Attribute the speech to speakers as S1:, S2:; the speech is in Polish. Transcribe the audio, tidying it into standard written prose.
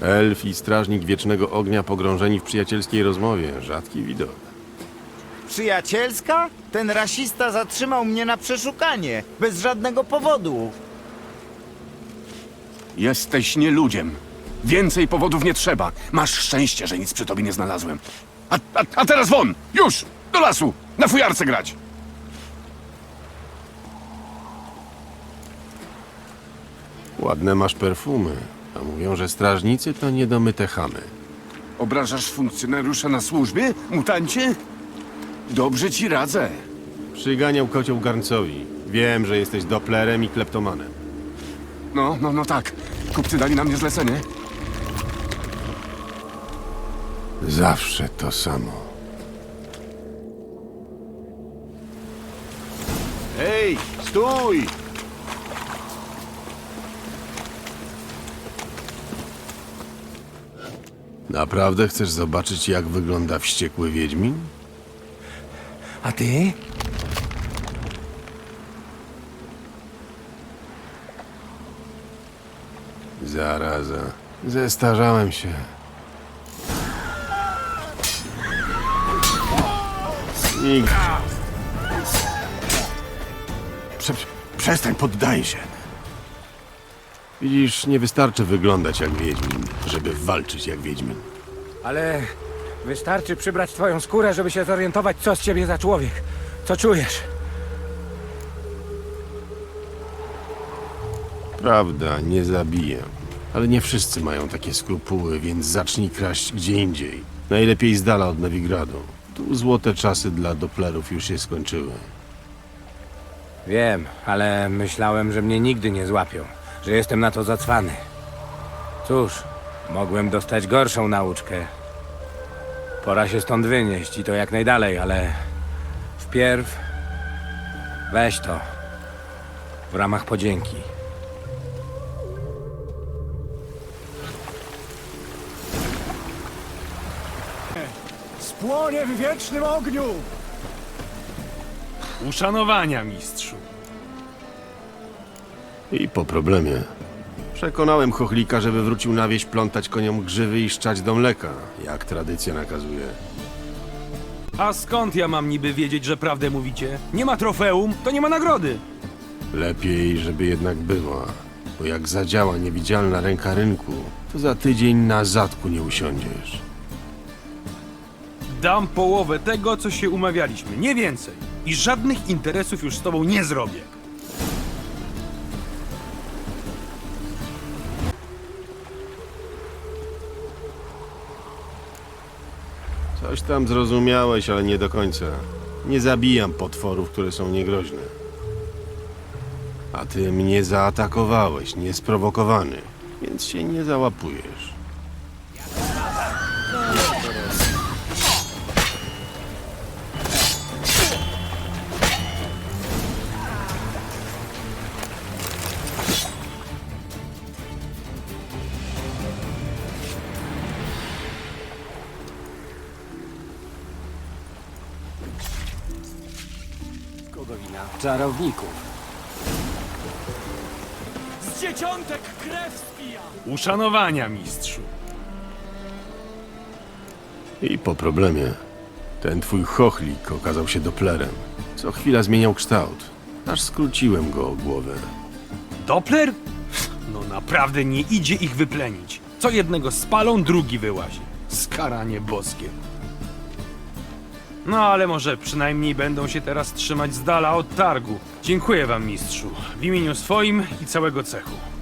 S1: Elf i strażnik Wiecznego Ognia pogrążeni w przyjacielskiej rozmowie. Rzadki widok.
S2: Przyjacielska? Ten rasista zatrzymał mnie na przeszukanie, bez żadnego powodu.
S3: Jesteś nieludziem. Więcej powodów nie trzeba. Masz szczęście, że nic przy tobie nie znalazłem. A teraz won! Już! Do lasu! Na fujarce grać!
S1: Ładne masz perfumy, a mówią, że strażnicy to niedomyte chamy.
S3: Obrażasz funkcjonariusza na służbie, mutancie? Dobrze ci radzę.
S1: Przyganiał kocioł garncowi. Wiem, że jesteś Dopplerem i kleptomanem.
S3: No tak. Kupcy dali na mnie zlecenie.
S1: Zawsze to samo.
S2: Hej, stój!
S1: Naprawdę chcesz zobaczyć, jak wygląda wściekły wiedźmin?
S2: A ty?
S1: Zaraza. Zestarzałem się. Nikt. Przestań, poddaj się. Widzisz, nie wystarczy wyglądać jak wiedźmin, żeby walczyć jak wiedźmin.
S4: Ale wystarczy przybrać twoją skórę, żeby się zorientować, co z ciebie za człowiek. Co czujesz?
S1: Prawda, nie zabiję. Ale nie wszyscy mają takie skrupuły, więc zacznij kraść gdzie indziej. Najlepiej z dala od Nowigradu. Tu złote czasy dla Dopplerów już się skończyły.
S4: Wiem, ale myślałem, że mnie nigdy nie złapią. Że jestem na to zacwany. Cóż, mogłem dostać gorszą nauczkę. Pora się stąd wynieść i to jak najdalej, ale... Wpierw... Weź to. W ramach podzięki.
S5: Spłonie w wiecznym ogniu!
S6: Uszanowania, mistrzu.
S1: I po problemie. Przekonałem chochlika, żeby wrócił na wieś plątać koniom grzywy i szczać do mleka, jak tradycja nakazuje.
S6: A skąd ja mam niby wiedzieć, że prawdę mówicie? Nie ma trofeum, to nie ma nagrody.
S1: Lepiej, żeby jednak była, bo jak zadziała niewidzialna ręka rynku, to za tydzień na zadku nie usiądziesz.
S6: Dam połowę tego, co się umawialiśmy, nie więcej. I żadnych interesów już z tobą nie zrobię.
S1: Coś tam zrozumiałeś, ale nie do końca. Nie zabijam potworów, które są niegroźne. A ty mnie zaatakowałeś, niesprowokowany, więc się nie załapujesz.
S4: Kogo wina? Czarowników.
S5: Z dzieciątek krew spija!
S6: Uszanowania, mistrzu.
S1: I po problemie. Ten twój chochlik okazał się Dopplerem. Co chwila zmieniał kształt, aż skróciłem go o głowę.
S6: Doppler? No naprawdę nie idzie ich wyplenić. Co jednego spalą, drugi wyłazi. Skaranie boskie. No ale może przynajmniej będą się teraz trzymać z dala od targu. Dziękuję wam, mistrzu. W imieniu swoim i całego cechu.